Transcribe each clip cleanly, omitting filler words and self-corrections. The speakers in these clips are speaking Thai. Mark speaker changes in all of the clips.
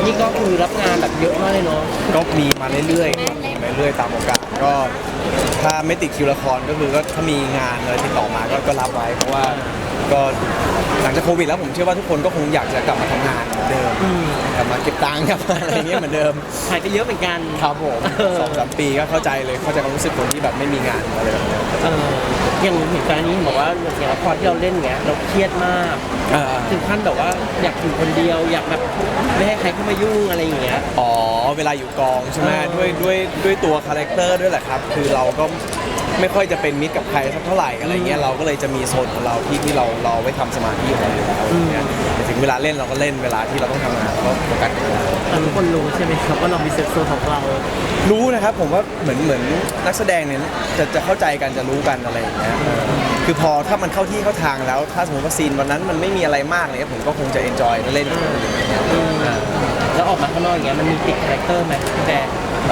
Speaker 1: นี่ก็คือรับงานแบบเยอะมากเลยเนาะ
Speaker 2: ก็มีมาเรื่อยๆครับมาเรื่อยๆตามโอกาสก็ถ้าไม่ติดคิวละครก็คือก็ถ้ามีงานอะไรติดต่อมาก็รับไว้เพราะว่าก็หลังจากโควิดแล้วผมเชื่อว่าทุกคนก็คงอยากจะกลับมาทำงานเหมือนเดิมกลับมาเก็บตังค์กลับมาอะไรเงี้ยเหมือนเดิม
Speaker 1: ถ่ายไปเยอะเหมือนกัน
Speaker 2: ครับผม2-3 ปีก็เข้าใจเลยเข้าใจความรู้สึกคนที่แบบไม่มีงานอะไรแบบนี้
Speaker 1: อย่างเหตุการณ์นี้บอกว่าอย่างละครที่เราเล่นเงี้ยเราเครียดมากถึงขั้นแบบว่าอยากอยู่คนเดียวอยากแบบไม่ให้ใครเข้ามายุ่งอะไรอย่างเงี้ย
Speaker 2: อ๋อเวลาอยู่กองใช่ไหมด้วยตัวคาแรคเตอร์ด้วยแหละครับคือเราก็ไม่ค่อยจะเป็นมิตรกับใครสักเท่าไหร่อะไรเงี้ยเราก็เลยจะมีโซนของเราที่เราไว้ทำสมาธิของเราอยู่แล้วแต่ถึงเวลาเล่นเราก็เล่นเวลาที่เราต้องทำงานก็โฟกัสกับงาน
Speaker 1: ทุกคนรู้ใช่ไหมครับว่าเรามีเซฟโซนของเรา
Speaker 2: รู้นะครับผมว่าเหมือนนักแสดงเนี่ยจะเข้าใจกันจะรู้กันอะไรอย่างเงี้ยคือพอถ้ามันเข้าที่เข้าทางแล้วถ้าสมมติว่าซีนวันนั้นมันไม่มีอะไรมากเลยผมก็คงจะเอนจอยเล่น
Speaker 1: แล้วออกมาข้างนอกอย่างเงี้ยมันมีติดคาแรคเตอร์ไหมพี่แบร์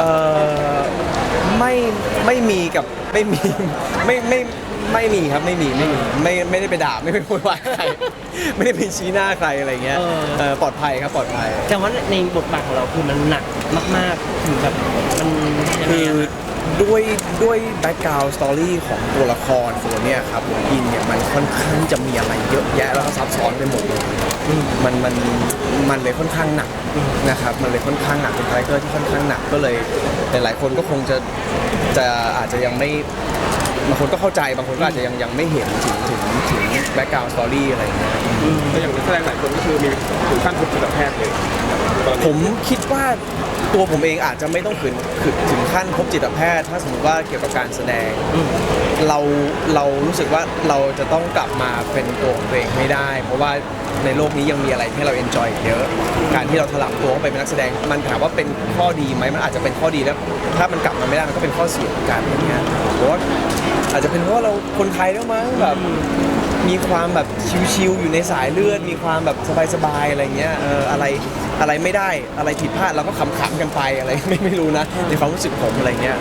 Speaker 2: ไม่มีกับไม่มีไม่มีครับไม่ได้ไปด่าไม่ไปพูดว่าใครไม่ได้ไปชี้หน้าใครอะไรเงี้ยปลอดภัยครับปลอดภัย
Speaker 1: แต่ว่าในบทบาทของเราคือมันหนักมากๆถึงแบบมัน
Speaker 2: คือด้วยแบ็กกราวด์สตอรี่ของตัวละครตัวเนี้ยครับผมอินเนี่ยมันค่อนข้างจะมีอะไรเยอะแยะแล้วก็ซับซ้อนไปหมดเลยมันเลยค่อนข้างหนักนะครับมันเลยค่อนข้างหนักเป็นคาแรคเตอร์ที่ค่อนข้างหนักก็เลยหลายๆคนก็คงจะอาจจะยังไม่บางคนก็เข้าใจบางคนก็อาจจะยังไม่เห็นถึงแบ็กกราวด์สตอรี่อะไรอย่างเงี้ย
Speaker 3: ก็อย่างนักแสดงหลายคนก็คือมีถึงขั้นพบจิตแพทย์เลย
Speaker 2: ผมคิดว่าตัวผมเองอาจจะไม่ต้องถึงขั้นพบจิตแพทย์ถ้าสมมติว่าเกี่ยวกับการแสดงเรารู้สึกว่าเราจะต้องกลับมาเป็นตัวของตัวเองให้ได้เพราะว่าในโลกนี้ยังมีอะไรให้เราเอนจอยเยอะการที่เราถลำตัวเข้าไปเป็นนักแสดงมันถามว่าเป็นข้อดีไหมมันอาจจะเป็นข้อดีแล้วถ้ามันกลับมาไม่ได้มันก็เป็นข้อเสียเหมือนกันอย่างเงี้ยเพราะว่าอาจจะเป็นเพราะว่าเราคนไทยแล้วมั้งแบบมีความแบบชิลๆอยู่ในสายเลือดมีความแบบสบายๆอะไรเงี้ยอะไรไม่ได้อะไรผิดพลาดเราก็ขำๆกันไปอะไรไม่รู้นะในความรู้สึกผมอะไรเงี้ย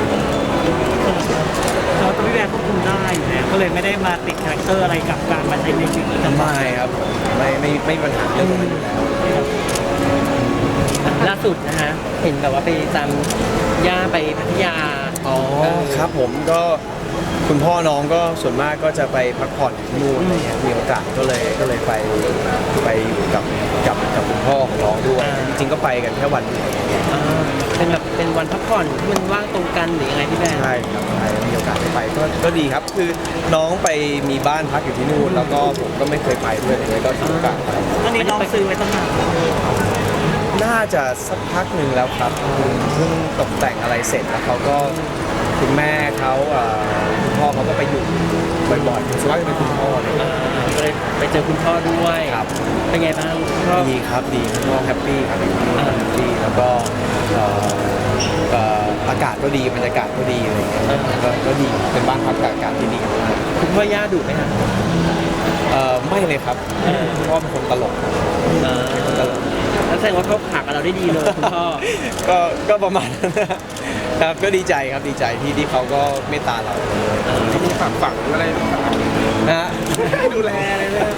Speaker 1: เราตัวพี่แบร์ควบคุมได้อยู่แล้วก็เลยไม่ได้มาติดคาแรคเตอร์อะไรกับการมาใช้ในชีวิตประจำวัน
Speaker 2: ไม่ครับไม่ปัญหาเรื่องนั้นอยู่แล้ว
Speaker 1: ล่าสุดนะฮะเห็นแบบว่าไปจำย่าไปพัทยา
Speaker 2: อ๋อครับผมก็คุณพ่อน้องก็ส่วนมากก็จะไปพักผ่อนที่นู่นอะไรเงี้ยมีโอกาสก็เลยไปอยู่กับคุณพ่อของน้องด้วยจริงๆก็ไปกันแค่วันเดียว
Speaker 1: เป็นแบบเป็นวันพักผ่อนที่มันว่างตรงกันหรือยังไงพี่แบร์
Speaker 2: ใช่ครับใช่มีโอกาสได้ไปก็ดีครับคือน้องไปมีบ้านพักอยู่ที่นู่นแล้วก็ผมก็ไม่เคยไปด้วยเลยก็ถือโอกาสไป
Speaker 1: ตอนนี้น้องซื้อไว้ตั้งนาน
Speaker 2: น่าจะสักพักหนึ่งแล้วครับเพิ่งตกแต่งอะไรเสร็จแล้วเขาก็คุณแม่เขาคุณพ่อเขาก็ไปอยู่บ่อยๆส่วนมากจะเป็นคุณพ่อเลย
Speaker 1: ก็เลยไปเจอคุณพ่อด้วย
Speaker 2: ครับ
Speaker 1: เป็นไงบ้าง
Speaker 2: ดีครับดีคุณพ่อแฮปปี้ครับแฮปปี้แล้วก็อากาศก็ดีบรรยากาศก็ดีอะไรอย่างเงี้ยก็ดีเป็นบ้านพักอากาศที่ดี
Speaker 1: คุณพ่อย่าดุไหมครับ
Speaker 2: ไม่เลยครับพ่อเป็นคนตลก
Speaker 1: แล้วแสดงว่าเขาผักเราได้ดีเลยคุณพ่อ
Speaker 2: ก็ประมาณนั้นครับก็ดีใจครับดีใจที่เขาก็เมตตาเรา
Speaker 3: เขามีฝังอะไร
Speaker 2: นะ
Speaker 3: ดูแลอะไรเลย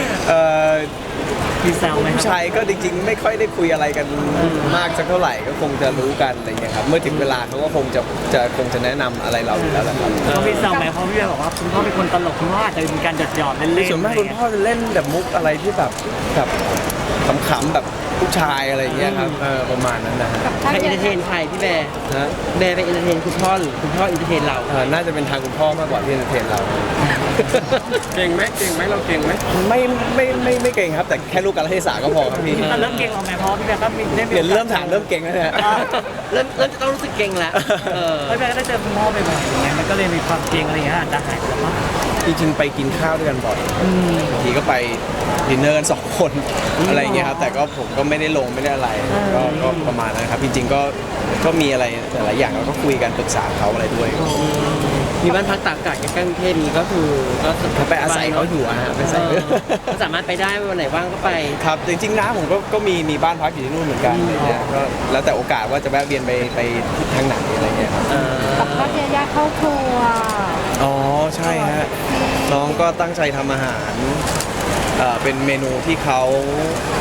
Speaker 1: มีแซวไหมครับ
Speaker 2: ผู้ชายก็จริงๆไม่ค่อยได้คุยอะไรกันมากสักเท่าไหร่ก็คงจะรู้กันอะไรอย่างเงี้ยครับเมื่อถึงเวลาเขาก็คงจะแนะนำอะไรเราอยู่แล้วแหละครับ
Speaker 1: เขามีแซวไหมเพราะพี่บอกว่าคุณพ่อเป็นคนตลกคุณพ่ออาจจะมีการหยอดเล่นๆ
Speaker 2: ส่วนมากคุณพ่อจะเล่นแบบมุกอะไรที่แบบขำๆแบบผู้ชายอะไรอย่างเงี้ยครับประมาณนั้นนะ
Speaker 1: ใครเอนเตอร์เทนใครพี่แบร์แบร์ไปเอนเตอร์เทนคุณพ่อหรือคุณพ่อเอนเตอร์เทนเรา
Speaker 2: น่าจะเป็นทางคุณพ่อมากกว่าที่เอนเตอร์เทนเรา
Speaker 3: เก่งไหมเราเก่งไหม
Speaker 2: ไม่เก่งครับแต่แค่ลูกการเทศะก็พอครับพี่
Speaker 1: เริ่มเก่งเราไหมเพราะพี่แบร์ก็มี
Speaker 2: เริ่มถามเริ่มเก่งแล้วเนี่ย
Speaker 1: เริ่มจะต้องรู้สึกเก่งแล้วพี่แบร์ก็ได้เจอคุณพ่อบ่อยๆอย่างเงี้ยมันก็เลยมีความเก่งอะไรอย่างเงี้ยอาจจะหายไปบ้าง
Speaker 2: จริงๆไปกินข้าวด้วยกันบ่อยบางทีก็ไปดินเนอร์กัน2 คนอะไรอย่างเงี้ยครับแต่ก็ผมก็ไม่ได้ลงไม่ได้อะไรก็ประมาณนั้นครับจริงๆก็มีอะไรหลายอย่างเราก็คุยกันปรึกษาเขาอะไรด้วย
Speaker 1: มีบ้านพักตากอากาศใกล้ๆกรุงเทพนี้ก็คือก็
Speaker 2: ไปอาศัยเขาอยู่ฮะไปอาศัย
Speaker 1: สามารถไปได้วันไหนว่างก็ไป
Speaker 2: ครับจริงๆนะผมก็มีบ้านพักอยู่ที่นู่นเหมือนกันเนี่ยก็แล้วแต่โอกาสว่าจะแวะเวียนไปทางไหนอะไรเงี้ยครับ
Speaker 4: กับพ่อยาเข้าครัว
Speaker 2: อ๋อใช่ฮะน้องก็ตั้งใจทำอาหารเป็นเมนูที่เขา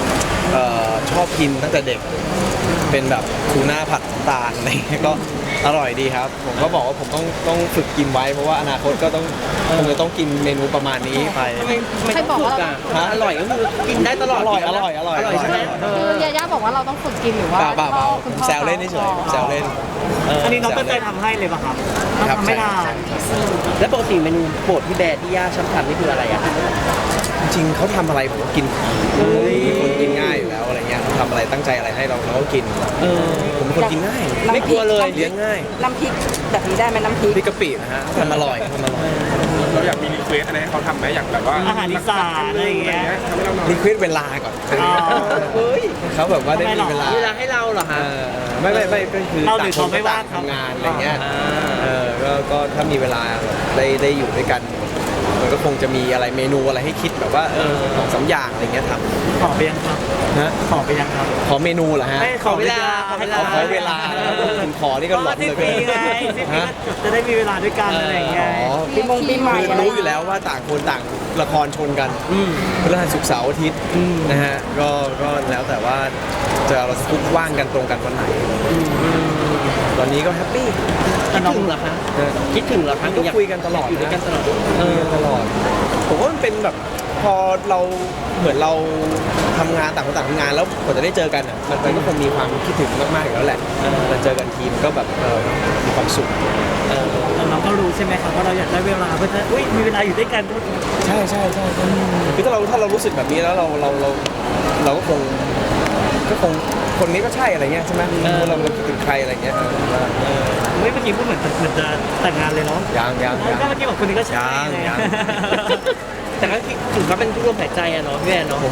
Speaker 2: ชอบกินตั้งแต่เด็กเป็นแบบทูน่าผัดน้ำตาลอะไรเงี้ยก็อร่อยดีครับผมก็บอกว่าผมต้องฝึกกินไว้เพราะว่าอนาคตก็ต้องคงจะต้องกินเมนูประมาณนี้ไป
Speaker 1: ไม่ต้องฝึกอ่ะอร่อยก็คือกินได้ตลอด
Speaker 2: อร่อย
Speaker 1: ใช่ไหม
Speaker 4: คือยาย่าบอกว่าเราต้องฝึกกินหรือว่า
Speaker 2: เปล่า
Speaker 4: พ่อคุณ
Speaker 2: ผม
Speaker 4: พ่อ
Speaker 2: แซวเล่นเฉยๆแซวเล่น
Speaker 5: อันนี้น้องก็เคยทำให้เลยป่ะครับ
Speaker 2: ครับ
Speaker 5: ทำไม่ได้
Speaker 1: แล้วปกติเมนูโปรดพี่แบร์ที่ย่าชอบทำนี่คืออะไรอ่ะ
Speaker 2: จริงๆเขาทำอะไรผมก็กินเป็นคนกินง่ายอยู่แล้วอะไรเงี้ยเขาทำอะไรตั้งใจอะไรให้เราก็กินผมเป็นคนกินง่าย
Speaker 1: ไม่กลัวเลย
Speaker 2: เลี้ยงง่าย
Speaker 6: น้ำพริกแบบนี้ได้ไหมน้ำพริก
Speaker 2: พริกกะปินะฮะทำอร่อย
Speaker 3: เราอยากมีรีเควสอะไรให้เขาทำไหมอยากแบบว่า
Speaker 5: อาหารอีสานอะไรอย่างเงี้ย
Speaker 3: ทำให้เราหน่อย
Speaker 2: รีเควสเวลาก่อน
Speaker 5: อ๋อ
Speaker 1: เฮ้ย
Speaker 2: เขาแบบว่าได้มีเวลา
Speaker 1: เวลาให้เราเหรอ
Speaker 2: เอ
Speaker 1: ฮะ
Speaker 2: อไม่ก็คือ
Speaker 5: เราหรือเขาไม่ว่าง
Speaker 2: ต่ทำงานอะไรเงี้ย
Speaker 1: อ่า
Speaker 2: ก็ถ้ามีเวลาได้อยู่ด้วยกันมันก็คงจะมีอะไรเมนูอะไรให้คิดแบบว่า2-3อย่างอะไรเงี้ยท
Speaker 5: ขอไปยังครับ
Speaker 2: ำนะ
Speaker 5: ขอไปยังครับ
Speaker 2: ขอเมนูเหรอฮะ
Speaker 5: ไม่ขอเวลา
Speaker 1: ขอเวลา
Speaker 2: ขอเวลาคุณขอนี่ก็หลอน
Speaker 5: ที่
Speaker 2: เหลย
Speaker 5: ปีไงที่ปีจะได้มีเวลาด้วยกันอะไรอย่างเงี้ย
Speaker 2: อ๋อ
Speaker 6: ปีใหม่
Speaker 2: คือ
Speaker 6: อะไร
Speaker 2: รู้อยู่แล้วว่าต่างคนต่างละครชนกันพฤหัสศุกร์เสาร์อาทิตย์นะฮะก็แล้วแต่ว่าเราจะคุกว่างกันตรงกันวันไหนตอนนี้ก็แฮปปี้
Speaker 1: คิดถึงเหรอคะคิดถึงเหรอคะ
Speaker 2: ก็คุยกันตลอด
Speaker 1: อยู่ด้วยกันตลอด
Speaker 2: ตลอดผมว่ามันเป็นแบบพอเราเหมือนเราทำงานต่างคนต่างทำงานแล้วกว่าจะได้เจอกันอ่ะมันก็คงมีความคิดถึงมากๆอยู่แล้วแหละเราเจอกันทีมก็แบบมีความสุข
Speaker 5: แต่น้องก็รู้ใช่ไหมครับว่าเราอยากได้เวลาเพื่อจะมีเวลาอยู่ด้วยกัน
Speaker 2: ใช่คือถ้าเรารู้สึกแบบนี้แล้วเราก็คงคนนี้ก็ใช่อะไรเงี้ยใช่ไหมเราคิดถึงใครอะไรเงี้ย
Speaker 5: เมื่อกี้พูดเหมือนจะแต่งงานเลยเนาะ
Speaker 2: ยัง
Speaker 5: ก็เมื่อกี้บอกคนนี้ก็ใช่
Speaker 2: ยัง
Speaker 1: แต่ก็ถือว่าเป็นผู้ร่วมหายใจอะเนาะพี่แอนเนาะ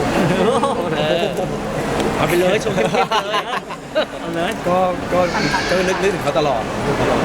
Speaker 1: เอาไปเลยชมเข้มๆเลย
Speaker 5: เอาเลย
Speaker 2: ก็นึกถึงเขาตลอด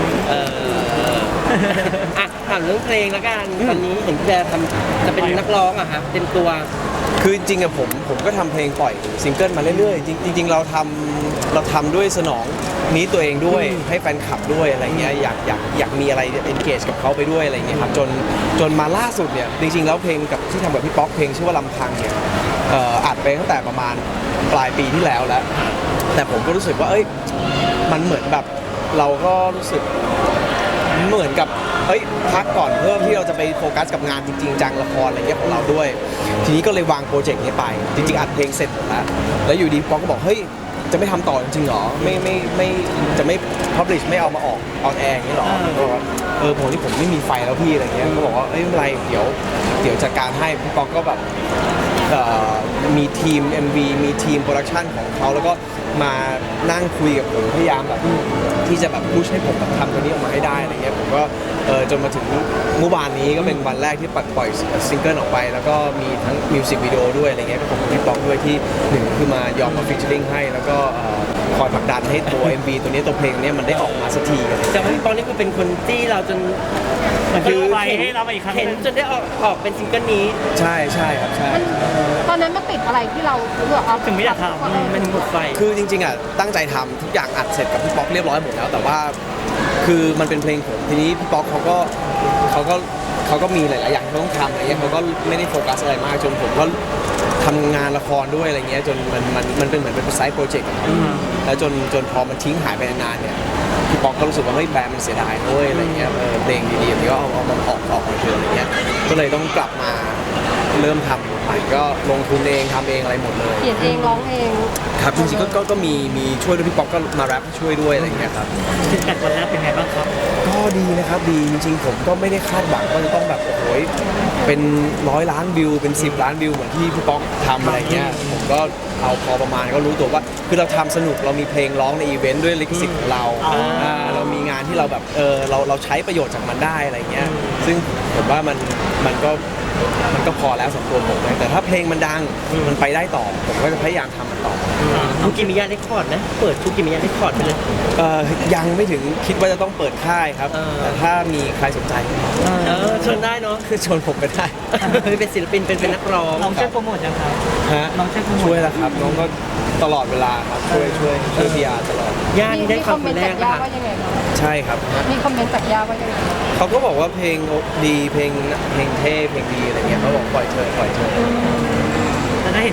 Speaker 1: อ่ะถามเรื่องเพลงแล้วกันตอนนี้เห็นพี่แบร์จะเป็นนักร้องอะฮะเต็มตัว
Speaker 2: คือจริงๆอะผมก็ทำเพลงปล่อยซิงเกิลมาเรื่อยๆจริงๆเราทำด้วยสนองนี้ตัวเองด้วยให้แฟนคลับด้วยอะไรเงี้ยอยากมีอะไรengageกับเขาไปด้วยอะไรเงี้ยครับจนมาล่าสุดเนี่ยจริงๆแล้วเพลงกับที่ทำกับพี่ป๊อกเพลงชื่อว่าลำพังเนี่ยอัดไปตั้งแต่ประมาณปลายปีที่แล้วแต่ผมก็รู้สึกว่ามันเหมือนแบบเราก็รู้สึกเหมือนกับพักก่อนเพื่อที่เราจะไปโฟกัสกับงานจริงๆจังละครอะไรเงี้ยของเราด้วย ทีนี้ก็เลยวางโปรเจกต์นี้ไปจริงๆอัดเพลงเสร็จหมดแล้วอยู่ดีป๊อกก็บอกเฮ้ยจะไม่ทำต่อจริงๆหรอไม่จะไม่ publish ไม่เอามาออกออนแอร์อย่างนี้หรอก็บอกว่าผมที่ผมไม่มีไฟแล้วพี่อะไรเงี้ยก็บอกว่าไม่เป็นไรเดี๋ยวจัดการให้พี่ป๊อกก็แบบมีทีม MV มีทีมโปรดักชันของเขาแล้วก็มานั่งคุยกับผมพยายามแบบที่จะแบบพุชให้ผมแบบทำตัวนี้ออกมาให้ได้อะไรเงี้ยผมก็จนมาถึงเมื่อวานนี้ก็เป็นวันแรกที่ปล่อยซิงเกิลออกไปแล้วก็มีทั้งมิวสิกวิดีโอด้วยอะไรเงี้ยก็ขอบคุณพี่ป๊อกด้วยที่หนึ่งคือมายอมมาฟีเจอริ่งให้แล้วก็คอยผลักดันให้ตัว MV ตัวนี้ตัวเพลงนี้มันได้ออกมาสักทีอะไรเงี้ย
Speaker 1: แต่ว่าพี่ป๊อกนี่คือเป็นคนที่เราจน
Speaker 5: มันก็ไปให้เรามาอีกครั้ง
Speaker 1: เห็นจนได้ออกเป็นซิงเกิลนี้
Speaker 2: ใช่ครับใช่
Speaker 4: ตอนนั้นมันติดอะไรที่เราเลือกเอา
Speaker 5: ถึงไม่อยากทำ
Speaker 1: มันหมดไฟ
Speaker 2: คือจริงๆอ่ะตั้งใจทำทุกอย่างอัดเสร็จกับพี่ป๊อกเรียบร้อยหมดแล้วแต่ว่าคือมันเป็นเพลงผมทีนี้พี่ป๊อกเขาก็มีหลายๆอย่างที่ต้องทำอะไรเงี้ยเขาก็ไม่ได้โฟกัสอะไรมากจนผมก็ทำงานละครด้วยอะไรเงี้ยจนมันเป็นเหมือนเป็นไซต์โปรเจกต์แล้วจนพอมันทิ้งหายไปนานๆเนี่ยพี่ป๊อกก็รู้สึกว่าเฮ้ยแบรนด์มันเสียดายด้วยอะไรเงี้ยเพลงดีๆแบบนี้ก็เอามันออกมาเถอะอะไรเงี้ยก็เลยต้องกลับมาเริ่มทำใหม่ก็ลงทุนเองทำเองอะไรหมดเลย
Speaker 4: เขียนเองร้องเอง
Speaker 2: ครับจริงๆก็มีช่วยด้วยพี่ป๊อกก็มาแรปช่วยด้วยอะไรอย่างเงี้ยครับ
Speaker 5: ฟีดแบ็กวันแรกเป็นไงบ้างครับ
Speaker 2: ก็ดีนะครับดีจริงๆผมก็ไม่ได้คาดหวังว่าจะต้องแบบโอ้โหเป็น100 ล้านวิวเป็น10 ล้านวิวเหมือนที่พี่ป๊อกทำอะไรเงี้ยผมก็เอาพอประมาณก็รู้ตัวว่าคือเราทำสนุกเรามีเพลงร้องในอีเวนต์ด้วยลิขสิทธิ์ของเราเรามีงานที่เราแบบเราใช้ประโยชน์จากมันได้อะไรเงี้ยซึ่งผมว่ามันก็พอแล้วสำหรับตัวผมเลยแต่ถ้าเพลงมันดังมันไปได้ต่อผมก็จะพยายามทำมันต่อ
Speaker 1: ทุกิมิยะได้คอร์ดนะเปิดทุกิมิยะได้คอร์ดไปเลย
Speaker 2: ยังไม่ถึงคิดว่าจะต้องเปิดค่ายครับแต่ถ้ามีใครสนใจ
Speaker 1: ชวนได้เนาะ
Speaker 2: คือชวนผมไปได้
Speaker 1: เป็นศิลปินเป็นนักร้อง
Speaker 5: น้องช่วยโปรโมทยังครับ
Speaker 2: ฮะ
Speaker 5: น้องช่วยโปรโมท
Speaker 2: ช่วยแล้วครับน้องก็ตลอดเวลาครับช่วยพีอาร์ตลอด
Speaker 1: ย่านี่ได้ค
Speaker 4: ค
Speaker 1: วา
Speaker 4: อ
Speaker 1: ม
Speaker 4: มเม
Speaker 1: คน น
Speaker 4: ต์
Speaker 1: แร
Speaker 4: จาก กย่า
Speaker 1: ค่ะ
Speaker 4: ว่ายังไงคะ
Speaker 2: ใช่ครับ
Speaker 4: มีคอมเมนต์จากย่าว่ายังไง
Speaker 2: เขาก็บอกว่าเพลงดีเพลงเท่เพลงดีอะไรเงี้ยเขาบอกปล่อยเธอ
Speaker 5: แต่ถ้าเห็น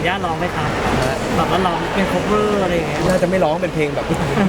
Speaker 5: ย่าร้องไหมครับแบบว่าร้องเป็น cover อะไรอย่างเงี้ย
Speaker 2: น่าจะไม่ร้องเป็นเพลงแบบ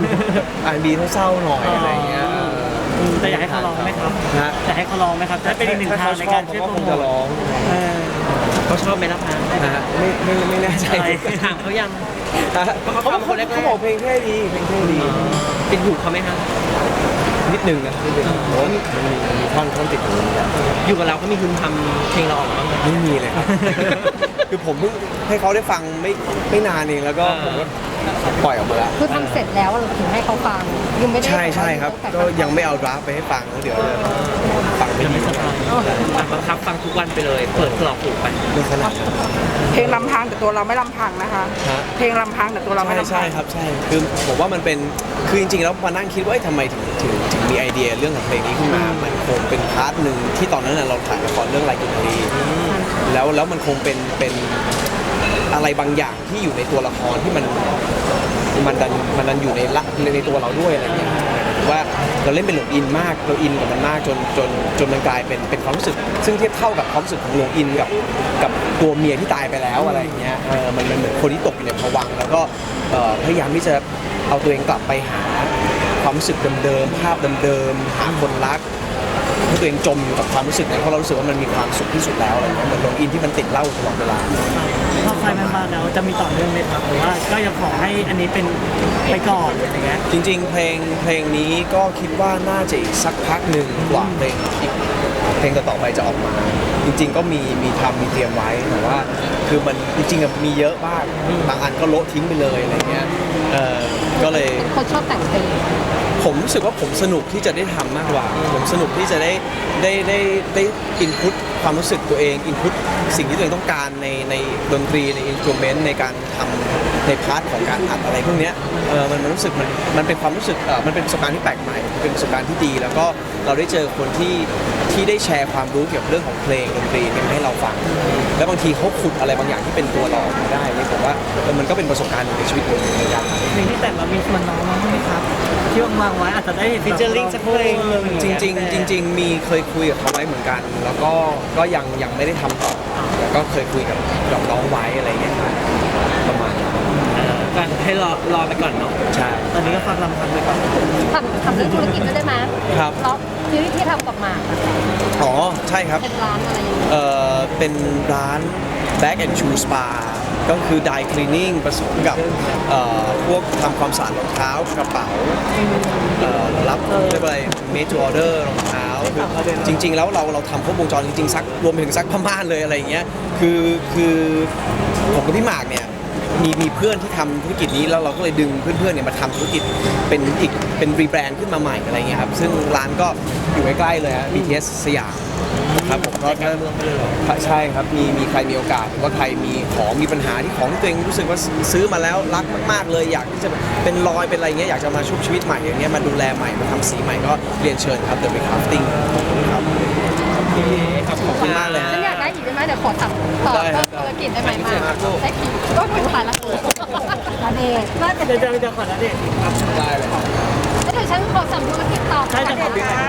Speaker 2: R&B เศร้าๆหน่อยอะไรเงี้ย
Speaker 5: แต่อยากให้เขาร้องไหมครับ
Speaker 2: ฮะ
Speaker 5: อยากให้เขาร้องไหมครับจะเป็นอีกหนึ่งทางในการช่วย
Speaker 2: เขา
Speaker 5: โป
Speaker 2: ค
Speaker 5: รง โม
Speaker 2: จะ
Speaker 5: ท
Speaker 2: ร้อง
Speaker 5: เออ
Speaker 1: เขาชอบไหมล่ะพัง
Speaker 2: นะฮะไม่แน่ใจ
Speaker 5: อะไร
Speaker 1: ถามเขายัง
Speaker 2: ฮะเขาบอกเพลงเท่ดีเพลงเท่ดี
Speaker 1: เป็นหูเขาไหมฮะ
Speaker 2: นิดนึงนะนิดนึงโอ้ยมันมีท่อนติดอยู่เนี่ย
Speaker 1: อยู่กับเราก็มีคุณทำเพลงเราออกมาบ้างไหม
Speaker 2: ไม่มีเลยครับ คือผมเพิ่งให้เขาได้ฟังไม่นานเองแล้วก็ผมก็ปล่อยออกมาแล้ว
Speaker 4: คือทำเสร็จแล้วเราถึงให้เขาฟังยังไม่ได้
Speaker 2: ใช่ครับ ก็ยังไม่เอาดราฟต์ไปให้ฟังแล้วเดี๋ยวจะฟังไม่
Speaker 5: จะ
Speaker 2: ดี
Speaker 5: ไม่สบาย
Speaker 1: บังคับฟังทุกวันไปเลย เปิดกรอกหูไป
Speaker 2: ไม่ขนาดนั้น
Speaker 6: เพลงลำพังแต่ตัวเราไม่ลำพังนะคะ
Speaker 2: ฮะ
Speaker 6: เพลงลำพังแต่ตัวเราไม่ลำพัง
Speaker 2: ใช่ครับใช่คือผมว่ามันเป็นคือจริงๆแล้วมานั่งคิดว่าเอ้ยทำไมถึงมีไอเดียเรื่องของเพลงนี้ขึ้นมา มันคงเป็นพาร์ทหนึ่งที่ตอนนั้นน่ะเราถ่ายละครเรื่องลายกินรีแล้วมันคงเป็นอะไรบางอย่างที่อยู่ในตัวละครที่มันดันอยู่ในตัวเราด้วยอะไรเงี้ยว่าเราเล่นเป็นหลงอินมากเราอินกับมันมากจนมันกลายเป็นความรู้สึก ซึ่งเทียบเท่ากับความรู้สึกของหลงอินกับตัวเมียที่ตายไปแล้วอะไรอย่างเงี้ยมันเหมือนคนที่ตกอยู่ในภวังค์แล้วก็พยายามที่จะเอาตัวเองกลับไปหาความรู้สึกเดิมๆภาพเดิมๆหาคนรักให้ตัวเองจมอยู่กับความรู้สึกนั้นเพราะเรารู้สึกว่ามันมีความสุขที่สุดแล้วอะไรเงี้ยเหมือนหลงอินที่มันติดเหล้าตลอดเวลา
Speaker 5: พอไฟมันมาแล้วจะมีต่อเนื่องไหมครับหรือว่าก็ยังขอให้อันนี้เป็นไปก่อนอะไรเงี้ย
Speaker 2: จริงๆ เพลงนี้ก็คิดว่าน่าจะอีกสักพักหนึ่งกว่าเพลงต่อๆไปจะออกมา จริงๆ ก็มีเตรียมไว้แต่ว่าคือมันจริงๆมีเยอะมากบางอันก็โละทิ้งไปเลยอะไรเงี้ยก็เลย
Speaker 4: คนชอบแต่งเพลง
Speaker 2: ผมรู้สึกว่าผมสนุกที่จะได้ทำมากกว่า ผมสนุกที่จะได้อินพุตความรู้สึกตัวเองอินพุตสิ่งที่ตัวเองต้องการในดนตรีในอินสตรูเมนต์ในการทำในพาร์ทของการอัดอะไรพวกเนี้ยมันรู้สึกมันเป็นความรู้สึกมันเป็นประสบการณ์ที่แปลกใหม่เป็นประสบการณ์ที่ดี แล้วก็เราได้เจอคนที่ได้แชร์ความรู้เกี่ยวกับเรื่องของเพลงดนตรีเนี่ยมาให้เราฟัง แล้วบางทีเขาขุดอะไรบางอย่างที่เป็นตัวเราออกมาได้เนี่ยผมว่ามันก็เป็นประสบการณ์ในชีวิตผมเหมือนกัน
Speaker 5: เพลงที่แต่งเรามีชวนน้องบ้างไหมครับที่วางไว้อาจจะได้เห็น
Speaker 1: ฟีเจอริ่งสักเพลงหนึ่ง
Speaker 2: จริงมีเคยคุยกับเขาไว้เหมือนกัน แล้วก็ยังไม่ได้ทำต่อแต่ก็เคยคุยกับน้องไว้อะไรอย่างเงี้ยครับประมาณนั้น
Speaker 1: ก็ให้รอไปก่อนเนาะ
Speaker 2: ใช่
Speaker 5: ตอนนี้ก็ฟังลำพังไปก่อน
Speaker 4: ทำเรื่องธุรกิจด้วยได้ไหม
Speaker 2: ครับ
Speaker 4: แล้วชีวิตที่ทำกับหมากอะ
Speaker 2: อ๋อใช่ครับ
Speaker 4: เป็นร้านอะไรอย่างเงี้ย
Speaker 2: เป็นร้าน Bag and Shoe Spa ก็คือ dry cleaning ผสมกับพวกทำความสะอาดรองเท้ากระเป๋ารับเรียกว่าอะไร made to order รองเท้าคือจริง ๆ แล้วเราทำครบวงจรจริงๆซักรวมไปถึงซักผ้าม่านเลยอะไรอย่างเงี้ยคือผมกับพี่หมากเนี่ยมีเพื่อนที่ทำธุรกิจนี้แล้วเราก็เลยดึงเพื่อนๆเนี่ยมาทำธุรกิจเป็นรีแบรนด์ขึ้นมาใหม่อะไรเงี้ยครับซึ่งร้านก็อยู่ใกล้ๆเลยฮะ BTS สยามครับผมก็ใช่ครับมีใครมีโอกาสหรือว่าใครมีของมีปัญหาที่ของที่ตัวเองรู้สึกว่าซื้อมาแล้วรักมากๆเลยอยากที่จะเป็นรอยเป็นอะไรเงี้ยอยากจะมาชุบชีวิตใหม่อย่างเงี้ยมาดูแลใหม่มาทำสีใหม่ก็เรียนเชิญครับ The Crafting ครับขอบคุณมากเลยฮะ
Speaker 4: ฉันอยากได้อีกได้ไหมเดี๋ยวขอสั่งต่อ
Speaker 2: ได้ครั
Speaker 4: เพิ่
Speaker 2: บ
Speaker 4: มธุรกิจได้ไหมมาได้คิวก็ถึงผ่านละนาเดชน่าจะ
Speaker 5: เดี๋ยวขอนะเด็ก
Speaker 2: ได้เลยครับ
Speaker 4: แล้วเดี๋ยวฉันขอสั่งธุรกิจต่อ
Speaker 5: ใช่จะขอ
Speaker 4: เดชครับ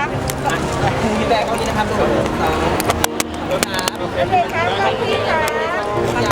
Speaker 1: พี่แบงค์เขานี่นะครับทุกคน
Speaker 4: เดชครับพี่ครับ